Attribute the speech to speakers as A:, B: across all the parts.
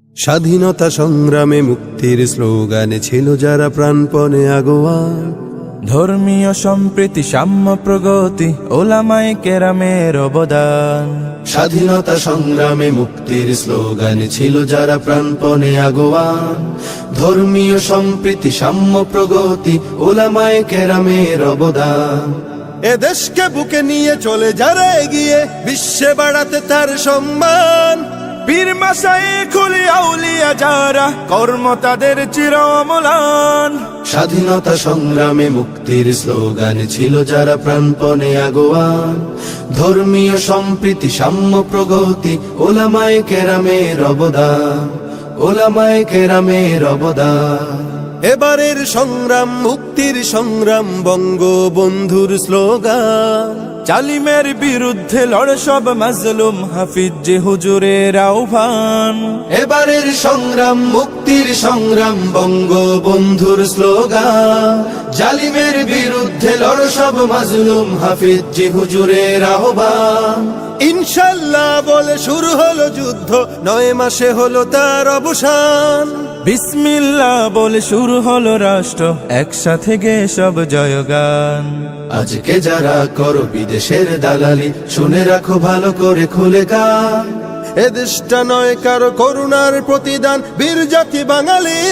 A: স্বাধীনতা সংগ্রামে মুক্তির স্লোগানে ছিল যারা প্রাণপণে আগোয়ান।
B: ধর্মীয় সম্প্রীতি সাম্য প্রগতি ওলামায়ে কেরামের অবদান।
A: স্বাধীনতা সংগ্রামে মুক্তির স্লোগানে ছিল যারা প্রাণপণে আগোয়ান। ধর্মীয় সম্প্রীতি সাম্য প্রগতি ওলামায়ে কেরামের অবদান। এ দেশকে বুকে নিয়ে চলে যারা এগিয়ে বিশ্বে বাড়াতে তার সম্মান।
B: পীর মাশায়েখ আউলিয়া যারা কর্ম তাদের চির অম্লান।
A: স্বাধীনতা সংগ্রামে মুক্তির স্লোগানে ছিল যারা প্রাণপণে আগোয়ান। ধর্মীয় সম্প্রীতি সাম্য প্রগতি ওলামায়ে কেরামের অবদান। ওলামায়ে কেরামের অবদান। এবারের সংগ্রাম মুক্তির সংগ্রাম বঙ্গবন্ধুর স্লোগান।
B: জালিমের বিরুদ্ধে লড় সব মাজলুম হাফিজ যে হুজুরের আহ্বান।
A: এবারের সংগ্রাম মুক্তির সংগ্রাম বঙ্গবন্ধুর স্লোগান। জালিমের বিরুদ্ধে লড় সব মাজলুম হাফিজ যে হুজুরের আহ্বান। ইনশাআল্লাহ বলে শুরু হলো যুদ্ধ, 9 মাসে হলো তার অবসান।
B: বিসমিল্লাহ বলে শুরু হলো রাষ্ট্র, একসাথে গে সব জয়গান।
A: আজকে যারা করো বিদেশের দালালি, শুনে রাখো ভালো করে খুলে গান। এ দেশটা নয় কারো করুণার প্রতিদান, বীর জাতি বাঙালির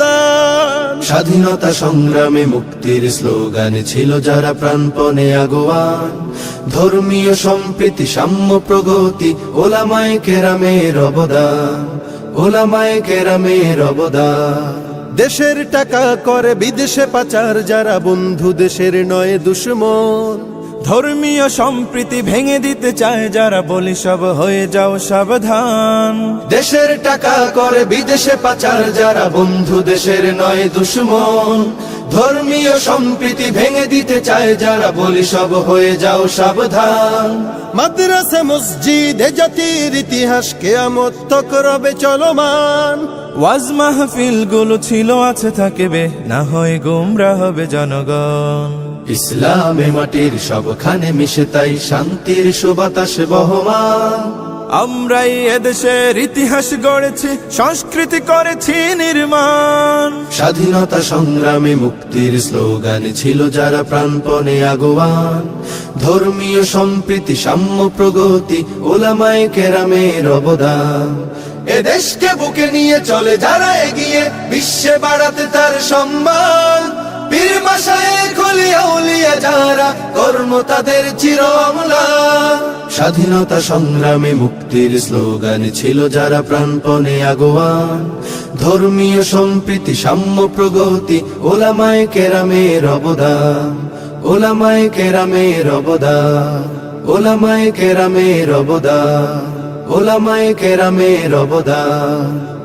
A: অবদান। স্বাধীনতা সংগ্রামে মুক্তির স্লোগানে ছিল যারা প্রাণপণে আগোয়ান। ধর্মীয় সম্প্রীতি সাম্য প্রগতি ওলামায়ে কেরামের অবদান। ওলামায়ে কেরামের অবদান। দেশের টাকা করে বিদেশে পাচার যারা বন্ধু দেশের নয় দুশমন।
B: ধর্মীয় সম্প্রীতি ভেঙে দিতে চায় যারা বলি সব হয়ে যাও সাবধান।
A: দেশের টাকা করে বিদেশে পাচার যারা বন্ধু দেশের নয় দুশমন। ধর্মীয় সম্প্রীতি ভেঙে দিতে চায় যারা বলি সব হয়ে যাও সাবধান। মাদ্রাসা মসজিদ এ জাতির ইতিহাস কিয়ামত তক রবে চলমান।
B: ওয়াজ মাহফিল গুলো ছিল আছে থাকবে, না হয় গোমরা হবে জনগণ।
A: ইসলামে মাটির সবখানে মিশে তাই শান্তির সুবাতাস বহমান।
B: আমরাই এদেশের ইতিহাস গড়েছি, সংস্কৃতি করেছি নির্মাণ।
A: স্বাধীনতা সংগ্রামে মুক্তির স্লোগানে ছিল যারা প্রাণপণে আগোয়ান। ধর্মীয় সম্প্রীতি সাম্য প্রগতি ওলামায়ে কেরামের অবদান। এ দেশকে বুকে নিয়ে চলে যারা এগিয়ে বিশ্বে বাড়াতে তার সম্মান। পীর মাশায়েখ আউলিয়া যারা কর্ম তাদের চির অম্লান। স্বাধীনতা সংগ্রামে মুক্তির স্লোগানে ছিল যারা প্রাণপণে আগোয়ান। ধর্মীয় সম্প্রীতি সাম্য প্রগতি ওলামায়ে কেরামের অবদান। ওলামায়ে কেরামের অবদান। ওলামায়ে কেরামের অবদান। ওলামায়ে কেরামের অবদান।